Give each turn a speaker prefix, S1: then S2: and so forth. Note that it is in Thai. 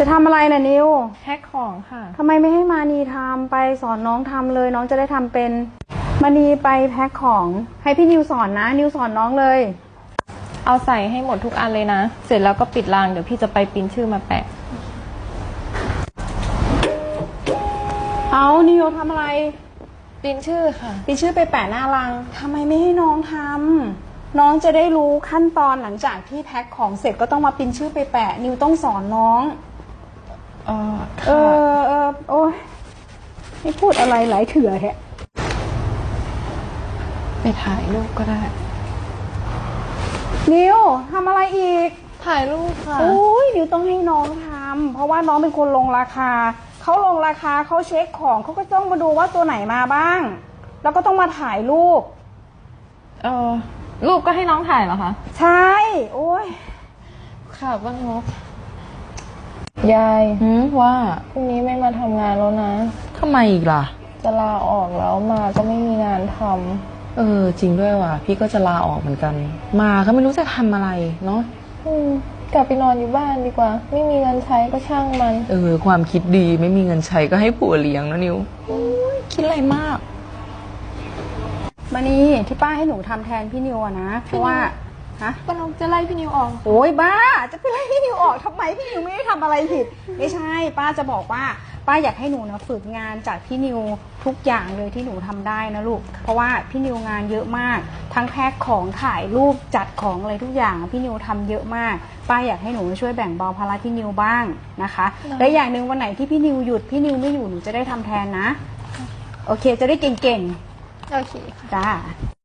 S1: จะทำอะไรน่ะนิว
S2: แพ็คของค่ะ
S1: ทำไมไม่ให้มานีทำไปสอนน้องทำเลยน้องจะได้ทำเป็นมานีไปแพ็คของให้พี่นิวสอนนะนิวสอนน้องเลย
S2: เอาใส่ให้หมดทุกอันเลยนะเสร็จแล้วก็ปิดรางเดี๋ยวพี่จะไปปริ้นชื่อมาแปะ
S1: เอานิวทำอะไร
S2: ปริ้นชื่อค่ะ
S1: ปริ้นชื่อไปแปะหน้ารังทำไมไม่ให้น้องทำน้องจะได้รู้ขั้นตอนหลังจากที่แพ็คของเสร็จก็ต้องมาปริ้นชื่อไปแปะนิวต้องสอนน้องโอ้ยไม่พูดอะไรหลายเถื่อแฮะ
S2: ไปถ่ายรูปก็ได้
S1: นิวทำอะไรอีก
S2: ถ่ายรูปค่ะ
S1: โอ้ยนิวต้องให้น้องทำเพราะว่าน้องเป็นคนลงราคาเขาลงราคาเขาเช็คของเขาก็ต้องมาดูว่าตัวไหนมาบ้างแล้วก็ต้องมาถ่ายรูป
S2: รูปก็ให้น้องถ่ายเหรอคะ
S1: ใช่โอ้ย
S2: ค่ะบ้านงกยายว่าพรุ่งนี้ไม่มาทำงานแล้วนะ
S3: ทำไมอีกล่ะ
S2: จะลาออกแล้วมาก็ไม่มีงานท
S3: ำจริงด้วยว่ะพี่ก็จะลาออกเหมือนกันมาก็ไม่รู้จะทำอะไรเนาะ
S2: กลับไปนอนอยู่บ้านดีกว่าไม่มีเงินใช้ก็ช่างมัน
S3: ความคิดดีไม่มีเงินใช้ก็ให้ผัวเลี้ยงนะนิวคิดอะไรมาก
S1: มานี่ที่ป้าให้หนูทำแทนพี่นิวอะนะเพราะว่า
S2: ป้าน้องจะไล่พี่นิวออก
S1: โอ้ยบ้าจะไปไล่พี่นิวออกทำไมพี่นิวไม่ได้ทำอะไรผิดไม่ใช่ป้าจะบอกว่าป้าอยากให้หนูนะฝึกงานจากพี่นิวทุกอย่างเลยที่หนูทำได้นะลูกเพราะว่าพี่นิวงานเยอะมากทั้งแพ็คของถ่ายรูปจัดของอะไรทุกอย่างพี่นิวทำเยอะมากป้าอยากให้หนูช่วยแบ่งเบาภาระพี่นิวบ้างนะคะและอย่างหนึ่งวันไหนที่พี่นิวหยุดพี่นิวไม่อยู่หนูจะได้ทำแทนนะโอเคจะได้เก่งๆ
S2: โอเค
S1: จ้า